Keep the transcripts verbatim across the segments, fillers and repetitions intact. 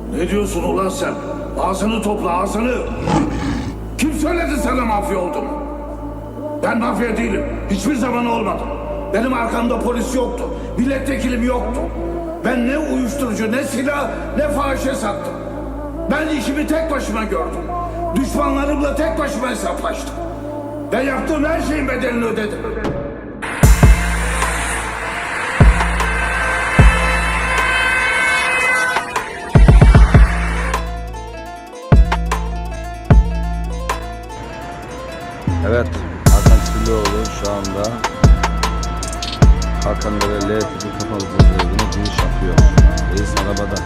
Ne diyorsun ulan sen? Ağzını topla, ağzını! Kim söyledi sana mafya olduğunu? Ben mafya değilim. Hiçbir zaman olmadım. Benim arkamda polis yoktu. Milletvekilim yoktu. Ben ne uyuşturucu, ne silah, ne fahişe sattım. Ben işimi tek başıma gördüm. Düşmanlarımla tek başıma hesaplaştım. Ben yaptığım her şeyin bedelini ödedim. Evet, Hakan Çilioğlu şu anda Hakan'da L tipi kapalı cezaevine giriş yapıyor. Reis arabada.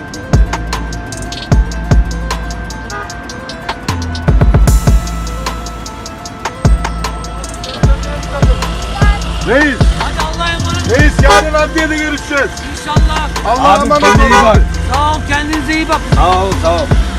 Reis! Hadi Allah'a emanet. Reis yarın adliyede görüşeceğiz. İnşallah. Allah'a Abi emanet kendine iyi olun. bak. Sağ ol, kendinize iyi bakın. Sağ ol, sağ ol.